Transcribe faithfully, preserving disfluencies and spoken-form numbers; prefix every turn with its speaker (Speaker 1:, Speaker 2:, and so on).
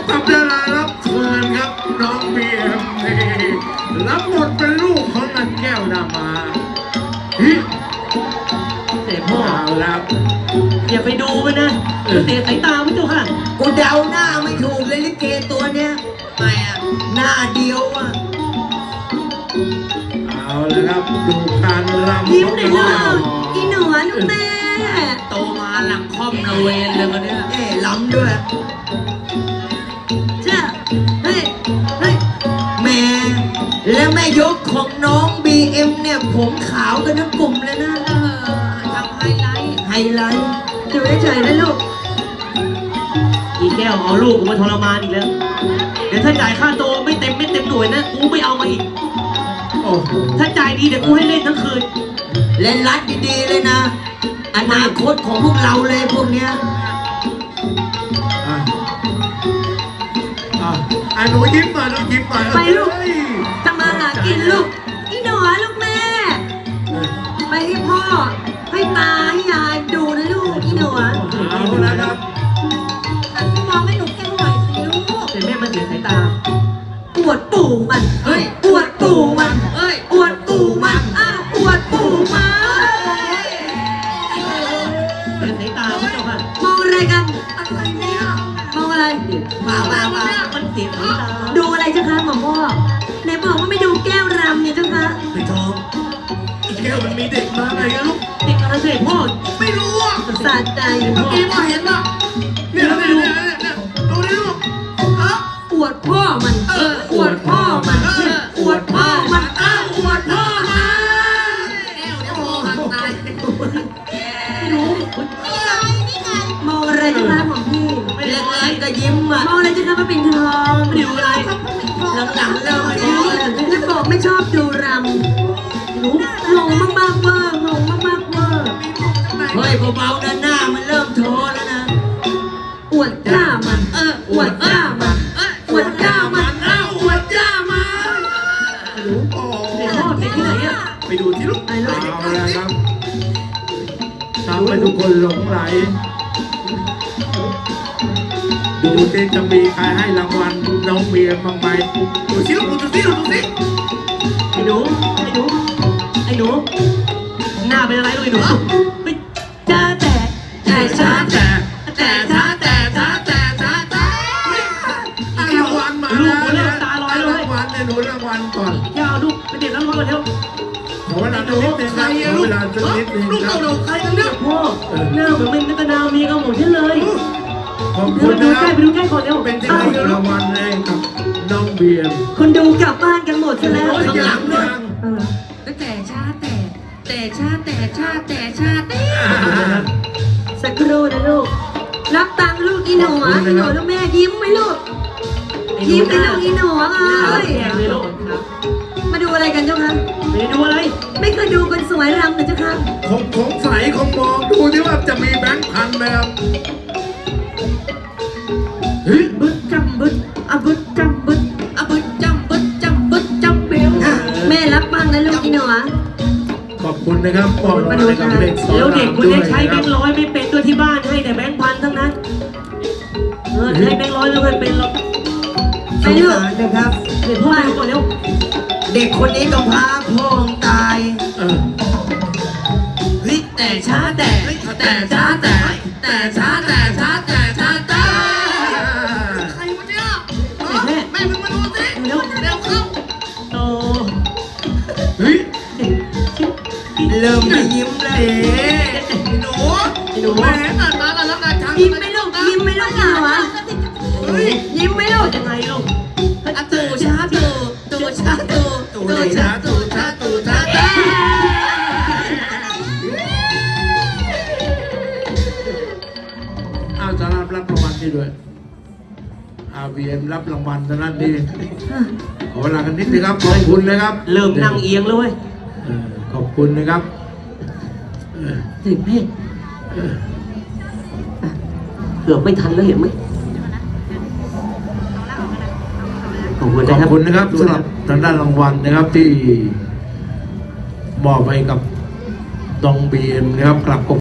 Speaker 1: กับดารารับเชิญครับน้องบีเอ็มนี่รับบทเป็นลูกของนางแก้วนามาฮิ
Speaker 2: เสียพ่อ
Speaker 1: เอาละ
Speaker 2: อย่าไปดูมันนะเสียสายตาไม่เจ้าค่ะ
Speaker 3: กูเดาหน้าไม่ถูกเลยลิเกตัวเนี้ยไม่อะหน้าเดียวอะ
Speaker 1: เอาละครับดูการรำ
Speaker 4: ยิ้มหน่อยลูกอีหนูลูกแม่
Speaker 2: โตมาหลังค่อมระเวนเลยวันนี้
Speaker 3: เอ๊ะล้ำด้วย
Speaker 4: จ้ะเฮ้ยเฮ้ย
Speaker 3: แม่และแม่ยกของน้องบีเอ็มเนี่ยผมขาวกันทั้งกลุ่มเลยนะ
Speaker 2: เออทำไฮไลท์
Speaker 3: ไฮไลท์
Speaker 4: ดูเฉยๆนะลูก
Speaker 2: อีแก้วเอาลูกกูมาทรมานอีกแล้วเดี๋ยวถ้าจ่ายค่าโตไม่เต็มไม่เต็มหน่วยนะกูไม่เอามาอีก
Speaker 1: โอ้โห
Speaker 2: ถ้าจ่ายดีเดี๋ยวกูให้เล่นทั้งคืน
Speaker 3: เล่นรัดดีๆเลยนะ อนาคตของพวกเราเลยพวกเนี้ย
Speaker 1: อ่ะอ่ะอ่ะหนูยิ้มหน่อยหนูยิ้มหน่อย
Speaker 4: ไปลูก
Speaker 1: เฮ้ย
Speaker 4: ทำมาหากินลูกอีหนูลูกแม่
Speaker 1: เออ
Speaker 4: ไปให้พ่อ ให้ตาให้ยายดูนะลูกอีหนู
Speaker 1: เอาละครับ
Speaker 4: อันมองให้หนูแก้วหน่อยสิลูก
Speaker 2: แต่แม่มันเสียสายตา
Speaker 4: ปวดปู่มัน
Speaker 2: เฮ้ย
Speaker 4: ปวดปู่มัน
Speaker 2: เอ้ย
Speaker 4: ปวดปู่มันอ้าวปวดปู่มัน
Speaker 2: เสียสายตาไม่เจ้าค่ะ
Speaker 4: มองอะไรกันอะไรเนี่ยมองอะไร
Speaker 2: มามามามันเสียสายตา
Speaker 4: ดูอะไรเจ้าคะหมอพ่อไหนบอกว่าไม่ดูแก้วรำเนี่ยเจ้าคะ
Speaker 1: ไอ้ทองไอ้แก้วมันมีเด็กมาไงกันลูก
Speaker 2: เด็กอะไรเสียพ่อ
Speaker 1: ไม่รู้อ่ะ
Speaker 4: สะใจ
Speaker 1: เมื่อกี้มาเห็นอ่ะเนี่ยเนี่ยเนี่ยเนี่ยดูดิลูกฮะ
Speaker 4: ปวดพ่อมัน
Speaker 1: เออ
Speaker 4: ปวดพ่อมัน
Speaker 1: เออ
Speaker 4: ปวดพ่อมันอ้าว
Speaker 1: ปวดพ่อมา
Speaker 4: ไม่รู้มองอะไรเจ้าคะหมอพี่
Speaker 3: เล็กๆก็ยิ้มอ่ะ
Speaker 4: มองอะไรเจ้าคะมาเป็นทอง
Speaker 2: ไม่ดูอะไร
Speaker 3: หลังๆเริ่ม
Speaker 4: รู้แล้วบอกไม่ชอบดูรำรู้งงมากๆเวอร์งงมากๆเวอร์
Speaker 3: เฮ้ยเบาๆนะหน้ามันเริ่มโทแล้วนะ
Speaker 4: อวดกล้ามัน
Speaker 2: เออ
Speaker 4: อวดกล้ามันอวดกล้ามัน
Speaker 1: อ้าวอวดย่ามาโอ้
Speaker 2: เสียพ่อเด็กที่ไหนอ่ะ
Speaker 1: ไปดูที่ลูก
Speaker 4: ไปลูก
Speaker 1: เอาละครับทำให้ทุกคนหลงไหล ดูที่จะมีใครให้รางวัลน้องเมียบ้างไหมดูสิลูกดูสิลูกดูสิ
Speaker 2: ไอ้หนูไอ้หนูไอ้หนูหน้าเป็นอะไรลูกไอ้หนูเฮ้ยจ้าแต่แต่ช้า
Speaker 1: แต่แต่ช้าแต่ช้าแต่ช้าแต่รางวัลมาแล้วนะรางวัลเนี่ยหนูรางวัลก่อน
Speaker 2: อย่าเอาลูกไปเด็ดแล้วรถเร็ว
Speaker 1: ขอเวลาสักนิดนึงครับขอเวลาสักนิดนึงครับ
Speaker 2: ใครกันเนี่ยพ่อหน้าเหมือนเป็นนักดาวมีกับผมฉันเลย
Speaker 1: ขอบ
Speaker 2: เดี๋
Speaker 1: คุ
Speaker 2: ยว
Speaker 1: ณ
Speaker 2: ไปดู
Speaker 1: นะค
Speaker 2: ใกล้
Speaker 1: รับ
Speaker 2: ไปดูใกล้ก่อนเร็ว
Speaker 1: เป็นที่ให้รางวัลเลยกับน้องเบียร์
Speaker 4: คนดูกลับบ้านกันหมดซะแล้ว
Speaker 1: ข้างหลังด้วย
Speaker 4: เออ
Speaker 5: แต่ชาแต่แต่ชาแต่ชาแต่ชาแต่
Speaker 4: สักครู่นะลูก รับตังค์ลูกอีหนูอ่ะอีหนูลูกแม่ยิ้มไหมลูก ยิ้มไปลูกอีหนูเอ้ย
Speaker 2: แย่เลยลูก
Speaker 4: มาดูอะไรกันเจ้าคะ
Speaker 2: ไปดูอะไร
Speaker 4: ไม่เคยดูคนสวยรำเลยเจ้าคะ
Speaker 1: คงคงใสคงมองดูที่ว่าจะมีแบงค์พันไหมครับเฮ้ย
Speaker 4: บึดจำบึดอะบึดจำบึด
Speaker 5: อะบึดจำบึดจำบึดจำเบล
Speaker 4: อ่ะแม่รับบังนะลูกอีหนูอ่ะ
Speaker 1: ขอบคุณนะครับปอดมาเลยกับเด็กสอน
Speaker 2: แล้วเด็กคน
Speaker 1: ด้ว
Speaker 2: นี้
Speaker 1: ย
Speaker 2: ใช้แบงค์ร้อยไม่เป็นตัวที่บ้านให้แต่แบงค์พันทั้งนั้นเออใช้แบงค์ร้อยไม่เคยเป็นหรอก
Speaker 3: สงสารนะครับ
Speaker 2: เดี๋ยวพ่อไปก่อนเร็ว
Speaker 3: เด็กคนนี้ต้องพาพ่อตาย
Speaker 1: เออ
Speaker 5: เฮ้ยแต่ชาแต่แต่ชาแต่แต่ชาแต่ชาแต่ชาแต่ใครวะเนี่ยแม่แม่มึงมาดูสิเร็วเร็วเข้า
Speaker 2: โต
Speaker 1: เฮ้ย
Speaker 3: เริ่มไม่ยิ้มแล้ว
Speaker 5: หนู
Speaker 2: ไอ้หนู
Speaker 5: แม่ตัดมาแล้วแล้วกันช้าง
Speaker 4: ยิ้มไหมลูกยิ้มไหมลูกอีหนูอ่ะ
Speaker 5: เฮ้ย
Speaker 4: ยิ้มไหมลูก
Speaker 2: ยังไงลูก
Speaker 5: อะตูชาตูตูชาตูตูชาตูชาตูชาแต่
Speaker 1: อ้าวสำหรับรับรางวัลนี่ด้วยอาวีเอ็มรับรางวัลตอนนั้นดีขอเวลากันนิดนึงครับขอบคุณนะครับ
Speaker 2: เริ่มนั่งเอียงแล้วเว้ย
Speaker 1: เออขอบคุณนะครับเออ
Speaker 2: สิเพ่เกือบไม่ทันแล้วเห็นไหมขอบคุณ
Speaker 1: ข
Speaker 2: นะ
Speaker 1: อบ
Speaker 2: ครับ
Speaker 1: คุณนะครับสำหรับทางด้านรางวัลนะครับที่มอบให้กับน้องบีเอ็มนะครับกลับ